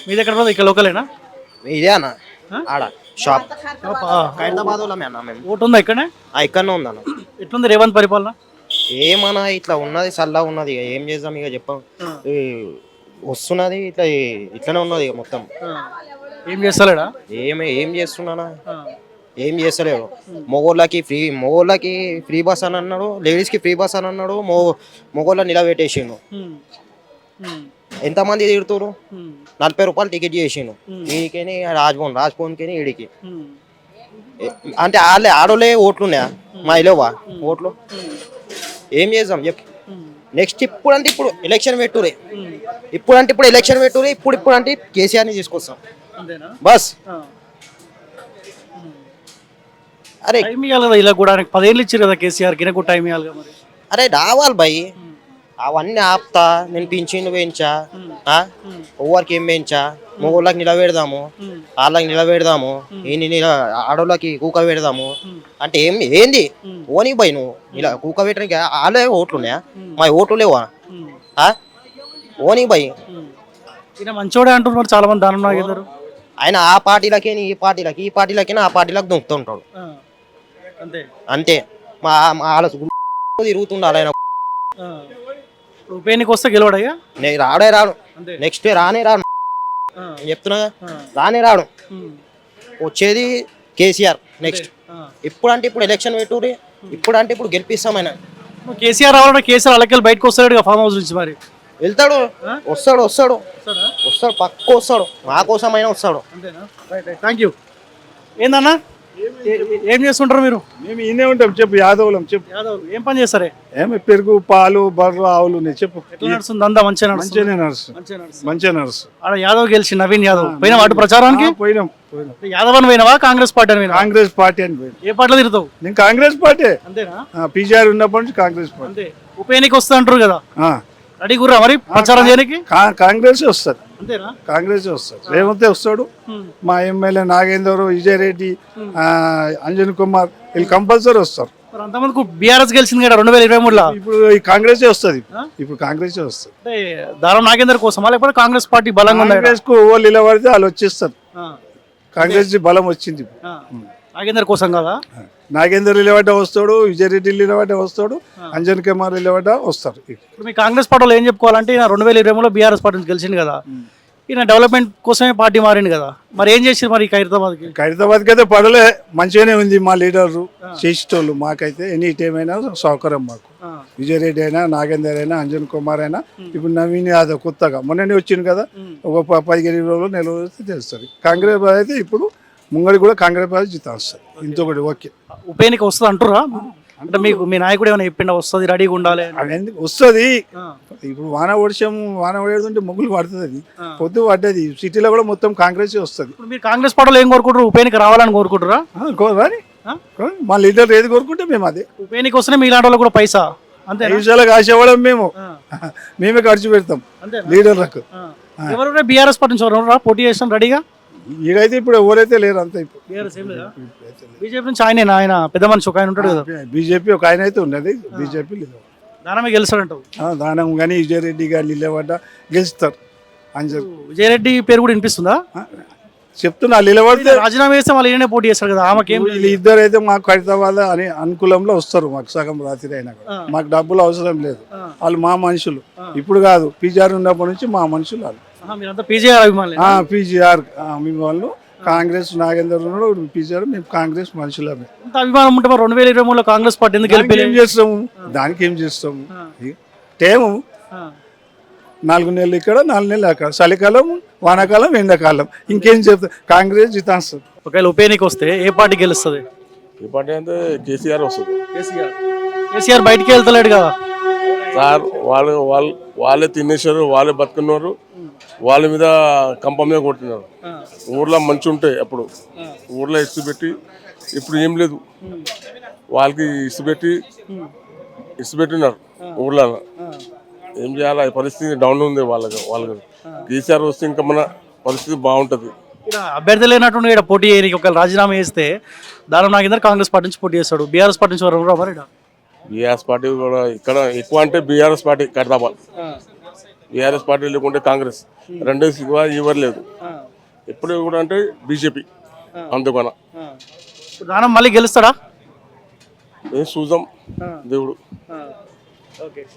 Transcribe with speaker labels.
Speaker 1: మీ దగ్గర ఇక్కడ లోకలేనా?
Speaker 2: ఇదే అన్న ఆడ షాప్ ఖైరతాబాద్ వాళ్ళమే అన్న మేము.
Speaker 1: ఓటు ఉందా ఇక్కడనే?
Speaker 2: ఇక్కడనే ఉందన్న.
Speaker 1: ఎట్లుంది రేవంత్ పరిపాలన?
Speaker 2: ఏమన్నా ఇట్లా ఉన్నది, చల్లగా ఉన్నది. ఇక ఏం చేద్దాం, ఇక చెప్పాం. వస్తున్నది ఇట్లా, ఇట్లనే ఉన్నది ఇక మొత్తం.
Speaker 1: ఏం చేస్తలేడా?
Speaker 2: ఏం చేస్తున్నానా, ఏం చేస్తలేడు. మగోళ్ళకి ఫ్రీ బస్ అని అన్నాడు, లేడీస్కి ఫ్రీ బస్ అని అన్నాడు. మగోళ్ళ నిలబెట్టేసిండు. ఎంతమంది తిడుతురు? 40 రూపాయలు టికెట్ చేసిండు. వీడికి రాజ్భవన్కి ఈడికి. అంటే ఆడోళ్ళే ఓట్లు ఉన్నాయా? మా ఇలోవా ఓట్లు? ఏం చేద్దాం చెప్పు. నెక్స్ట్ ఇప్పుడు ఎలక్షన్ పెట్టురే. ఇప్పుడు ఎలక్షన్ పెట్టురే. ఇప్పుడు అంటే కేసీఆర్ని తీసుకొస్తాం బస్. అరే
Speaker 1: టైం ఇవ్వాలి కదా, ఇలా కూడా 10 ఏళ్ళు ఇచ్చారు కదా కేసీఆర్, గినకు టైం ఇవ్వాలి కదా మరి.
Speaker 2: అరే రావాలి భయ్, అవన్నీ ఆపుతా. నేను పింఛన్లు పెంచా, ఎవరికి ఏం పెంచా. మగోళ్ళకి నిలబెడదాము, వాళ్ళకి నిలబెడదాము, ఆడోళ్ళకి కూక పెడదాము అంటే ఏంది ఓని భయ్. నువ్వు ఇలా కూక పెట్టడానికి వాళ్ళే ఓట్లు ఉన్నాయా? మా ఓట్లు లేవా? ఓని భయ్
Speaker 1: మంచోడే అంటున్నారు చాలా మంది. దానం నాగేందర్
Speaker 2: ఆయన ఆ పార్టీలకేని ఈ పార్టీలకి ఆ పార్టీలకు దొంకుతుంటాడు అంతే. మా వాళ్ళ తిరుగుతుండాలి ఆయన.
Speaker 1: ఉప ఎన్నిక వస్తే గెలవడయ్యా?
Speaker 2: రాడు. నెక్స్ట్ రాను చెప్తున్నా, రాడు. వచ్చేది కేసీఆర్ నెక్స్ట్. ఇప్పుడు ఎలక్షన్ పెట్టుర్రి. ఇప్పుడు గెలిపిస్తాం ఆయన.
Speaker 1: కేసీఆర్ రావాలంటే కేసీఆర్ అలాగే బయటకు వస్తాడు ఫామ్ హౌస్ నుంచి. మరి
Speaker 2: వెళ్తాడు, వస్తాడు పక్క వస్తాడు. మా కోసం అయినా వస్తాడు.
Speaker 1: Thank you. ఏందన్నా ఏం చేస్తుంటారు మీరు?
Speaker 3: మేము ఈయనే ఉంటాం. చెప్పు యాదవులం. చెప్పు
Speaker 1: యాదవ్ ఏం పని చేస్తారే?
Speaker 3: ఏమి పెరుగు, పాలు, బర్రెలు, ఆవులు ఉన్నాయి. చెప్పు
Speaker 1: ఎట్లా నడుస్తుంది? అంతా మంచిగా
Speaker 3: నడుసు.
Speaker 1: ఆడ యాదవ్ గెలిచి నవీన్ యాదవ్ పోయినా వాటి ప్రచారానికి?
Speaker 3: పోయినాం.
Speaker 1: యాదవ్ అని పోయినావా కాంగ్రెస్ పార్టీ అని?
Speaker 3: కాంగ్రెస్ పార్టీ అని పోయినా.
Speaker 1: ఏ పార్టీలో తిరుగుతావు?
Speaker 3: నేను కాంగ్రెస్ పార్టీ.
Speaker 1: అంతేనా?
Speaker 3: పీజీఆర్ ఉన్నప్పటి నుంచి కాంగ్రెస్ పార్టీ.
Speaker 1: ఉప ఎన్నిక వస్తా అంటారు కదా, రెడీ గుర్రా మరి ప్రచారం చేయడానికి?
Speaker 3: కాంగ్రెస్ వస్తుంది.
Speaker 1: అంతేనా?
Speaker 3: కాంగ్రెస్ వస్తుంది. రేవంత్ వస్తాడు. మా ఎమ్మెల్యే నాగేందర్, విజయ్ రెడ్డి, అంజన్ కుమార్ వీళ్ళు కంపల్సరీ వస్తారు.
Speaker 1: అంతమంది బీఆర్ఎస్ గెలిచింది కదా 2023లో.
Speaker 3: ఇప్పుడు కాంగ్రెస్ వస్తుంది. ఇప్పుడు కాంగ్రెస్ వస్తుంది.
Speaker 1: దారం నాగేందర్ కోసమా లేకపోతే కాంగ్రెస్ పార్టీ బలంగా ఉంది?
Speaker 3: కాంగ్రెస్ కు ఓళ్ళు నిలబడితే వాళ్ళు వచ్చేస్తారు. కాంగ్రెస్ బలం వచ్చింది.
Speaker 1: నాగేందర్ కోసం కదా?
Speaker 3: నాగేందర్ నిలబడ్డ వస్తాడు, విజయ్ రెడ్డి నిలబడ్డ వస్తాడు, అంజన్ కుమార్ నిలబడ్డ వస్తారు.
Speaker 1: ఇప్పుడు మీ కాంగ్రెస్ పార్టీలో ఏం చెప్పుకోవాలంటే, ఈయన 2023లో బీఆర్ఎస్ పార్టీ గెలిచింది కదా, ఈయన డెవలప్మెంట్ కోసమే పార్టీ మారింది కదా, మరి ఏం చేసారు మరి
Speaker 3: ఖైరతాబాద్కి అయితే పడలే. మంచిగానే ఉంది. మా లీడర్లు చేసేటోళ్ళు. మాకైతే ఎనీ టైం అయినా సౌకర్యం. మాకు విజయ్ రెడ్డి అయినా, నాగేందర్ అయినా, అంజన్ కుమార్ అయినా, ఇప్పుడు నవీన్ యాదవ్ కొత్తగా మొన్ననే వచ్చింది కదా, ఒక 15 రోజులు నెల రోజులు తెలుస్తుంది. కాంగ్రెస్ అయితే ఇప్పుడు ముంగడి కూడా కాంగ్రెస్ పార్టీ జీతం వస్తుంది. ఇంకొకటి ఓకే.
Speaker 1: ఉప ఎన్నిక వస్తుంది అంటురా? అంటే మీకు మీ నాయకుడు ఏమైనా చెప్పిండా వస్తుంది రెడీగా ఉండాలి?
Speaker 3: వస్తుంది. ఇప్పుడు వాన పడేదంటే ముగ్గులు పడుతుంది. అది పొద్దు పడ్డది. సిటీలో కూడా మొత్తం కాంగ్రెస్ వస్తుంది.
Speaker 1: మీరు కాంగ్రెస్ పార్టీలో ఏం కోరుకుంటారు? ఉప ఎన్నిక రావాలని కోరుకుంటారా?
Speaker 3: మా లీడర్ ఏది కోరుకుంటే మేము అదే.
Speaker 1: ఉప ఎన్నిక వస్తేనే మీ ఇలాంటి వాళ్ళు కూడా పైసా అంతే
Speaker 3: విషయాలకు ఆశపడం. మేమే ఖర్చు పెడతాం లీడర్లకు.
Speaker 1: ఎవరు బీఆర్ఎస్ పార్టీ నుంచి పోటీ చేస్తాం రెడీగా?
Speaker 3: ఈడైతే ఇప్పుడు ఎవరైతే లేరు. అంతా ఇప్పుడు
Speaker 1: బీజేపీ నుంచి ఆయన పెద్ద మనిషి ఒక ఆయన ఉంటాడు కదా.
Speaker 3: బీజేపీ ఒక ఆయన అయితే ఉన్నది. బీజేపీ లేదు.
Speaker 1: దానమే గెలుస్తాడంటావు?
Speaker 3: దానం కానీ విజయ్ రెడ్డి గారు నిలబడ్డ గెలుస్తారు.
Speaker 1: విజయ్ రెడ్డి పేరు కూడా వినిపిస్తుందా?
Speaker 3: చెప్తున్నా. నిలబడితే
Speaker 1: రాజీనామా వేస్తే వాళ్ళు ఈయనే పోటీ చేస్తారు కదా. ఆమెకేం?
Speaker 3: ఇద్దరు అయితే మాకు ఖైరతాబాద్ అని అనుకూలంలో వస్తారు. మాకు సగం రాత్రి అయినా కూడా మాకు డబ్బులు అవసరం లేదు. వాళ్ళు మా మనుషులు. ఇప్పుడు కాదు, పీజీఆర్ ఉన్నప్పటి నుంచి మా మనుషులు వాళ్ళు.
Speaker 1: పీజీఆర్
Speaker 3: అభిమానులు. కాంగ్రెస్ నాగేందర్ ఉన్నాడు, పీజీఆర్. మేము కాంగ్రెస్ మనుషులమే.
Speaker 1: అభిమానం ఉంటే 2023లో కాంగ్రెస్ పార్టీ ఎందుకు
Speaker 3: ఏం చేస్తాము? దానికి ఏం చేస్తాము? టైము 4 నెలలు ఇక్కడ, 4 నెలలు అక్కడ. చలికాలం, వానాకాలం, ఎండాకాలం. ఇంకేం చెప్తా? కాంగ్రెస్ జితాస్తుంది.
Speaker 1: ఒకవేళ ఉప ఎన్నిక వస్తే ఏ పార్టీ గెలుస్తుంది?
Speaker 4: ఏ పార్టీ అంటే కేసీఆర్ వస్తుంది.
Speaker 1: కేసీఆర్ బయటికి వెళ్తలేడు కదా
Speaker 4: సార్. వాళ్ళే తినేశారు, వాళ్ళే బతుకున్నారు, వాళ్ళ మీద కంప మీద కొట్టినారు. ఊర్లో మంచి ఉంటాయి అప్పుడు. ఊర్లో ఇసు పెట్టి ఇప్పుడు ఏం లేదు. వాళ్ళకి ఇసు పెట్టినారు ఊర్లో. ఏం చేయాలి? పరిస్థితి డౌన్ ఉంది వాళ్ళకి. కేసీఆర్ వస్తే ఇంకా మన పరిస్థితి బాగుంటుంది.
Speaker 1: అభ్యర్థి లేనట్టు ఇక్కడ పోటీ చేయడానికి ఒకవేళ రాజీనామా చేస్తే దానం నాగేందర్ కాంగ్రెస్ పార్టీ నుంచి పోటీ చేస్తాడు. బీఆర్ఎస్ పార్టీ నుంచి మరి
Speaker 4: బీఆర్ఎస్ పార్టీ కూడా ఇక్కడ ఎక్కువ అంటే బీఆర్ఎస్ పార్టీ ఖైరతాబాద్. బీఆర్ఎస్ పార్టీ లేకుంటే కాంగ్రెస్, రెండే సిగ్గు ఎవరు లేదు. ఎప్పుడు కూడా అంటే బీజేపీ. అందుకన
Speaker 1: ఇప్పుడు దానం మళ్ళీ గెలుస్తాడా?
Speaker 4: ఏం చూద్దాం దేవుడు.
Speaker 1: ఓకే.